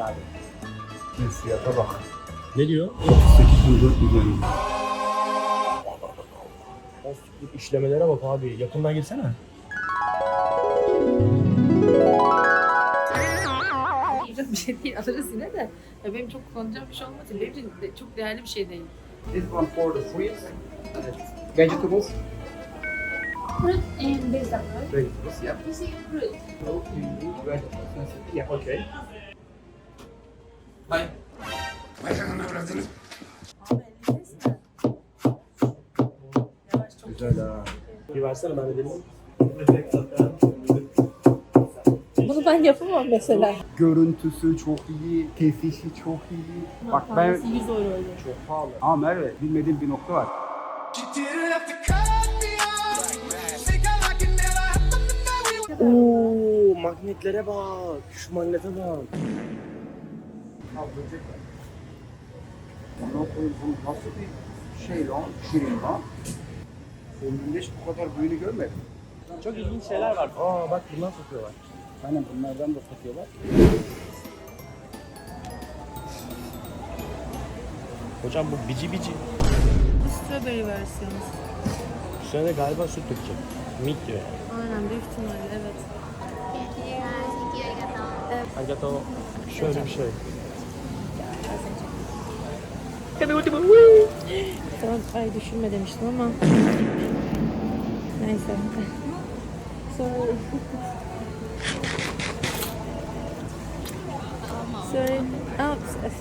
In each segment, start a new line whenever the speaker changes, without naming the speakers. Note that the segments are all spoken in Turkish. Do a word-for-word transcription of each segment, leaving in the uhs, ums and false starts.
abi.
Fiyata bak.
Ne diyor?
otuz sekiz bin dört yüz yani.
Of, bu işlemelere bak abi. Yakından girsene.
Yiyecek bir şey değil, alırız yine de. Ya benim çok kullanacağım bir şey olmadığı için benim için de çok değerli bir şey değil.
This one for the fruits, vegetables.
Fruit and vegetable.
Vegetables, yeah.
You see fruit.
So you need vegetables. Yeah, okay. Bye.
Güzel ha. Bir versene ben de deneyim.
Bunu ben yapamam mesela.
Görüntüsü çok iyi, kesişi çok iyi. Bak ben
yüz euro öyle.
çok pahalı. Ama Merve bilmediğim bir nokta var.
Oo, magnetlere bak. Şu magnete bak.
Al böcek var. Ondan sonra bu nasıl bir şey lan? Şirin lan. Ömrümde hiç bu kadar büyüğünü görmedim.
Çok ilginç şeyler var. Aa bak bundan satıyorlar.
Aynen bunlardan da satıyorlar.
Hocam bu bici bici.
Bu strawberry versiyonu.
Üstüne galiba süt dökecek. Milk diyor yani.
Aynen büyük ihtimalle evet.
Agato şöyle bir şey.
Tamam, ay düşünme demiştim ama. Neyse. Sorry. Sorry. Oops.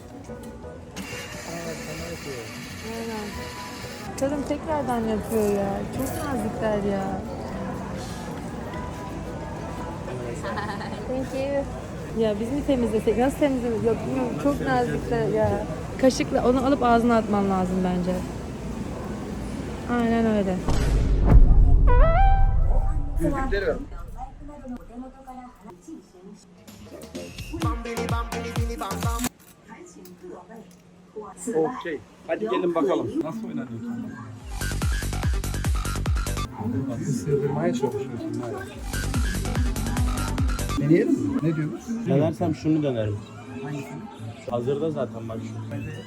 Aynen. Kadın tekrardan yapıyor ya. Çok nazikler ya. Thank you. Ya biz mi temizlesek? Nasıl temizlesek? Yok bilmiyorum. Çok nazikler ya. Kaşıkla onu alıp ağzına atman lazım bence. Aynen öyle.
Yüzükleri ver. Okey. Hadi gelin bakalım. Nasıl oynanıyorsun? Nasıl sığdırmaya çalışıyorsun? Deneyelim mi? Ne diyorsun?
Denersem şunu denerim.
Hangisini?
Hazırda zaten bak şu.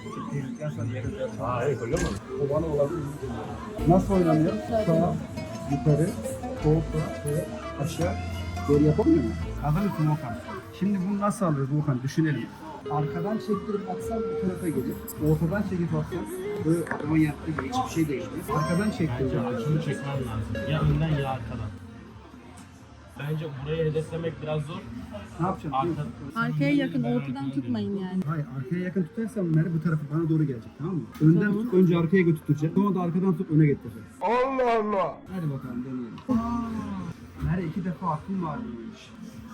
Aa evet öyle mi?
O bana olabilir. Nasıl oynanıyor? Sağ, yukarı, sol, sağ, ve aşağı. Geri yapamıyor mu? Hazır mısın Volkan? Şimdi bunu nasıl alıyoruz Volkan? Düşünelim. Arkadan çektirip atsam bu tarafa gelir. Ortadan çekip atsam böyle adamın yaptığı gibi hiçbir şey değişmez. Arkadan çektireceğim.
Şunu çekmem lazım. Ya önden ya arkadan. Bence burayı hedeflemek biraz zor.
Ne yapacaksın?
Arka...
Arkaya yakın, ortadan tutmayın yani.
Hayır, arkaya yakın tutarsam Merve bu tarafa bana doğru gelecek, tamam mı? Önden tut, önce arkaya götürteceğim. Sonra da arkadan tutup öne getireceğim. Allah Allah! Hadi bakalım deneyelim. Merve iki defa aklım var bu iş.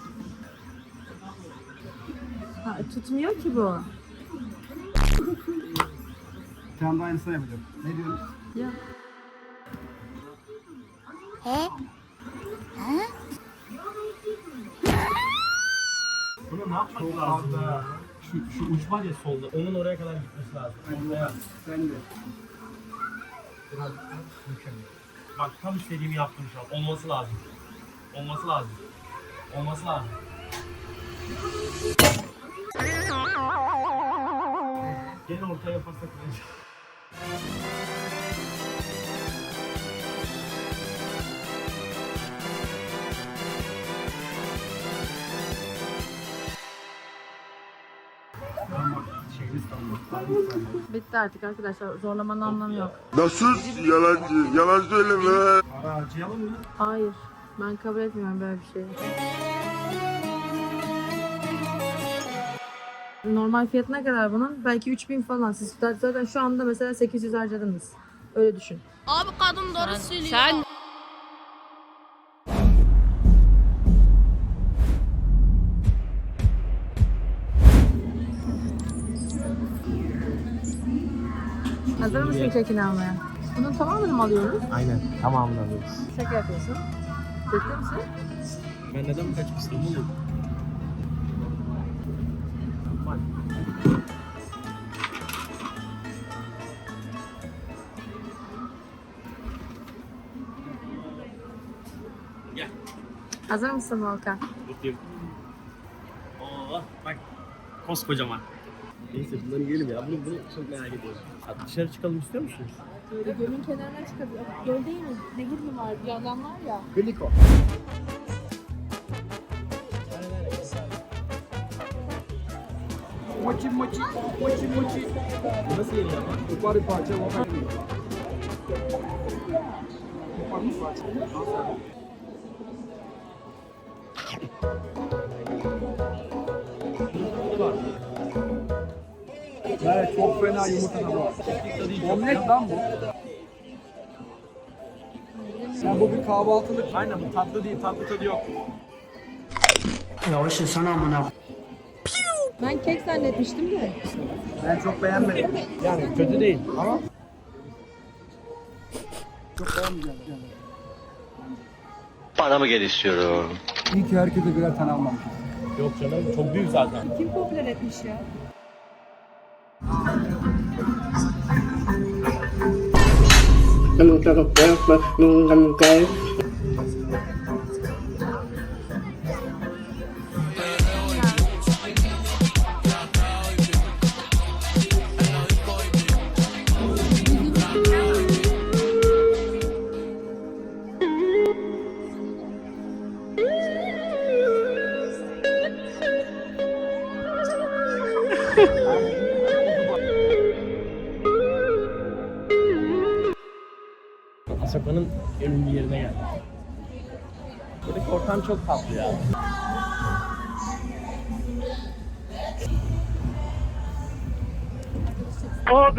Ha, tutmuyor ki bu.
Bir tane daha aynısını yapacağım. Ne diyorsun?
Ya.
Bunu ne yapmak lazım ya? Şu, şu uç var ya solda, onun oraya kadar gitmesi lazım. Oraya.
Sen de.
Biraz mükemmel. Bak tam istediğimi yaptım şu an. Olması lazım. Olması lazım. Olması lazım. Gene ortaya yaparsak bence.
Şeyimiz kalmadı.
Bitti artık arkadaşlar. Zorlamanın anlamı yok.
Nasıl yalancı? Yalan söyleme.
Para harcayalım mı?
Hayır. Ben kabul etmiyorum böyle bir şeyi. Normal fiyat ne kadar bunun? Belki üç bin falan. Siz zaten şu anda mesela sekiz yüz harcadınız. Öyle düşün.
Abi kadın doğru söylüyor. Sen
Hazır mısın kekini almaya? Bunun tamamını mı alıyoruz?
Aynen. Tamamını alıyoruz.
Şaka yapıyorsun. Ciddi misin?
Ben neden bu kaçıp İstanbul'um? Bak.
Hazır mısın Volkan?
Mutluyum. Oo, bak. Koskocaman. Neyse bunları yiyelim ya. Bunu, bunu çok merak ediyorum. Hadi dışarı çıkalım istiyor musunuz?
Böyle gölün kenarına çıkabiliyor. Göl değil mi? Nehir mi var? Bir yandan var ya.
Birlik o. Mochi mochi, mochi mochi.
Bu nasıl yeniyor ama?
Kopar bir parça kopar. Kopar bir parça. Evet, çok fena yumurta tadı var. Omlet lan bu. Ya bu bir kahvaltılık.
Aynen bu tatlı değil, tatlı tadı yok.
Ben kek zannetmiştim de.
Ben çok beğenmedim.
Yani kötü değil ama
Çok beğenmeyeceğim.
Bana mı gel istiyorum?
İyi ki herkese birer tane almamışız.
yok canım çok büyük zaten.
Kim popüler etmiş ya?
Asaka'nın en ünlü yerine geldik. Buradaki ortam çok tatlı ya.
Herkes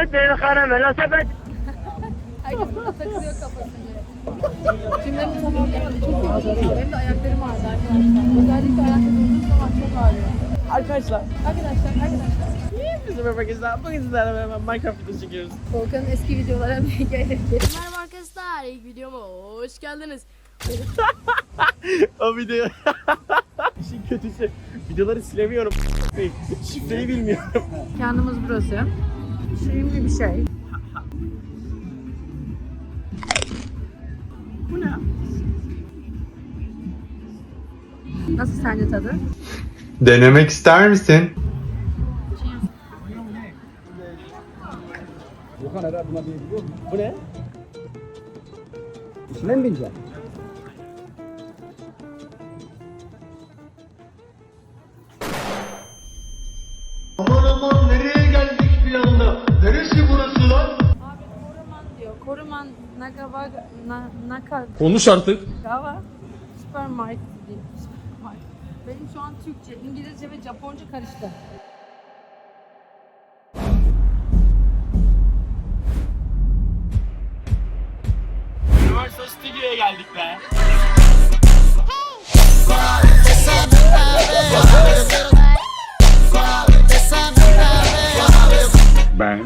burada takılıyor kafasını. Cümlemi tamamlayamadı. Çok yoruldum. Benim de ayaklarım ağrıdı arkadaşlar. Özellikle ayakta durduğum zaman çok ağrıyor.
Arkadaşlar.
Arkadaşlar, arkadaşlar.
Bizim arkadaşlar. Bugün sizlerle beraber Minecraft videosu çekiyoruz.
Volkan'ın eski videolara bir gelelim.
Merhaba arkadaşlar, ilk videoma hoş geldiniz.
O video. İşin kötüsü. Videoları silemiyorum. Şifreyi bilmiyorum.
Mekanımız burası. Şimdi bir şey. Bu ne? Nasıl sence tadı?
Denemek ister misin?
Volkan herhalde buna diyebiliyor musun?
Bu ne?
İçine mi bineceksin?
Aman aman nereye geldik bir anda? Neresi burası lan?
Abi Koruman diyor. Koruman Nagawa na, Naka
Konuş artık.
Gawa Supermarket değil. Supermarket. Benim şu an Türkçe, İngilizce ve Japonca karıştı.
Universal Studio'ya geldik be.
Ben.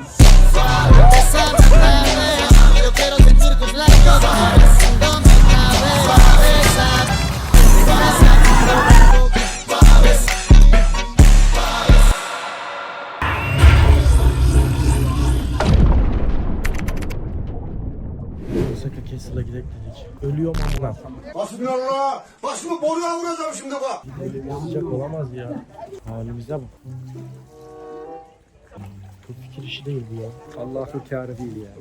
Osaka Castle'a gidelim dedik. Ölüyorum amına.
Hasbinallah. Başımı boruya vuracağım şimdi bak.
Böyle bir sıcak olamaz ya. Halimize bak. Çok fikir işi değil bu ya.
Allah'ın kârı değil ya.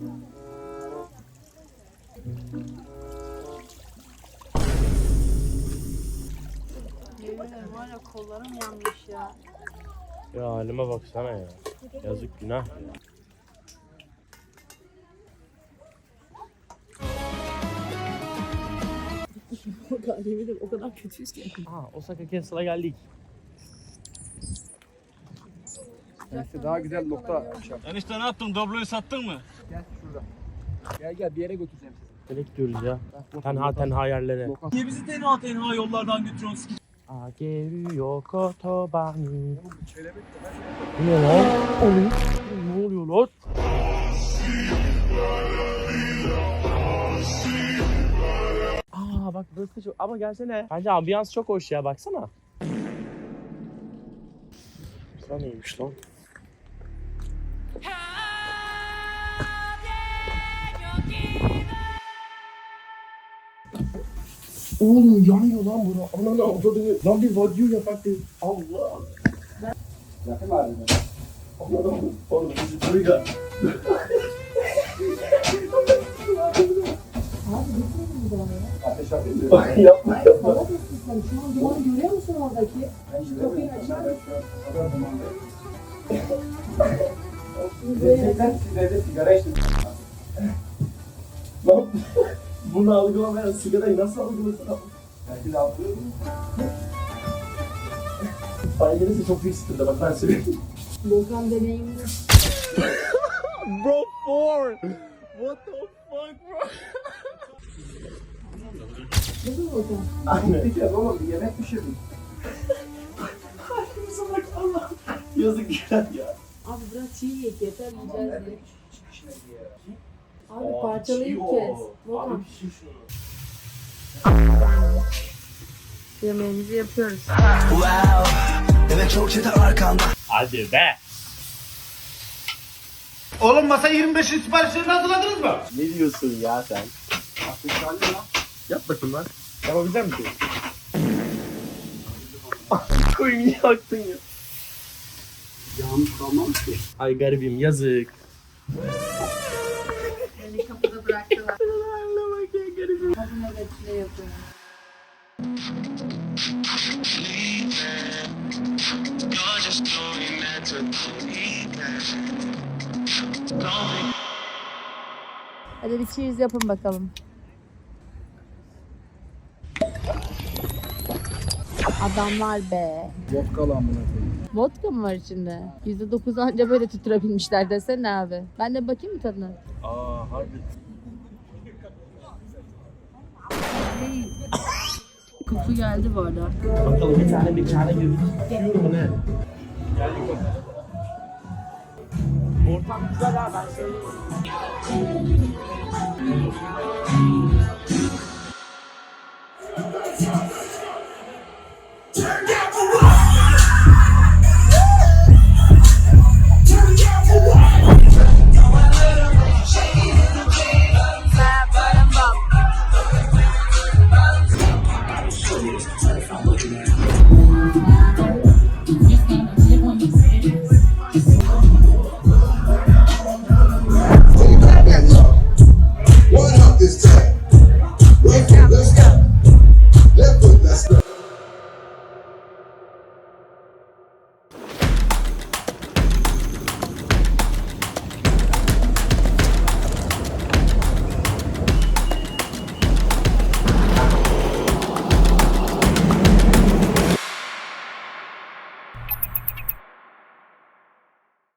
Yemin ederim var ya kollarım yanmış ya.
Ya halime baksana ya. Yazık günah ya.
Yemin ederim o kadar kötüyüz ki.
Aa, Osaka Castle'a geldik.
Neyse daha güzel nokta yapacağım.
Enişte ne yaptın? Dobloyu sattın mı?
Gel şurada. Gel gel bir yere götüreceğim sizi.
Nereye gidiyoruz ya?
Bak,
Tenha
lokasyon-
tenha yerlere.
lokasyon-
Niye bizi tenha tenha yollardan götürüyorsun? Ageru kotobani. Bu ne lan? Oğlum, ne oluyor lan? Aa bak burası çok... Ama gelsene. Bence ambiyans çok hoş ya baksana. Burası neymiş lan? Oğlum yanıyor lan bura. Ananı avradını. Lan bir vadyo yapak değil. Allah.
Yakın halinde.
Oğlum bizi duyga.
Ateş atayım mı?
Yapma yapma.
Hava ısıtmamış. Şu an dumanı görüyor musun oradaki? Şu kapıyı açar mısın?
Gerçekten siz evde sigara içtiniz.
Lan bunu algılamayan sigarayı nasıl algılasın abi?
Belki de algılıyor mu?
Bay gelirse çok büyük sıkıntı bak ben söyleyeyim.
Volkan deneyimli.
Bro four. What the fuck bro?
Değil mi Volkan?
Anne.
Bir kez oğlum bir yemek pişirdim.
Halimize bak Allah. Yazık güzel ya.
Abi bırak çiğ yiyek yeter yiyeceğiz diye.
Çıkışına diye.
Abi
Aa,
parçalayıp
pişiyor.
kes. Volkan.
Abi pişir şunu.
Yemeğimizi yapıyoruz.
Hadi be.
Oğlum masa yirmi beşin siparişlerini hazırladınız mı?
Ne diyorsun ya sen?
Aklın kaldı lan.
Yap bakayım lan. Yapabilecek misin? Koyun niye yaktın ya?
Yağmur kalmamış ki.
Ay garibim yazık.
Beni kapıda bıraktılar. Hadi nöbetçile yapıyorum. Hadi bir cheers yapın bakalım. Adamlar be.
Vodka lan buna koyayım.
Vodka mı var içinde? yüzde dokuz anca böyle tutturabilmişler desene abi. Ben de bakayım mı tadına?
Aa harbi.
Koku geldi bu arada.
Bakalım bir tane bir tane girdik. Yiyorum mu ne? Geldik bakalım. Ortam güzel ha ben söyleyeyim.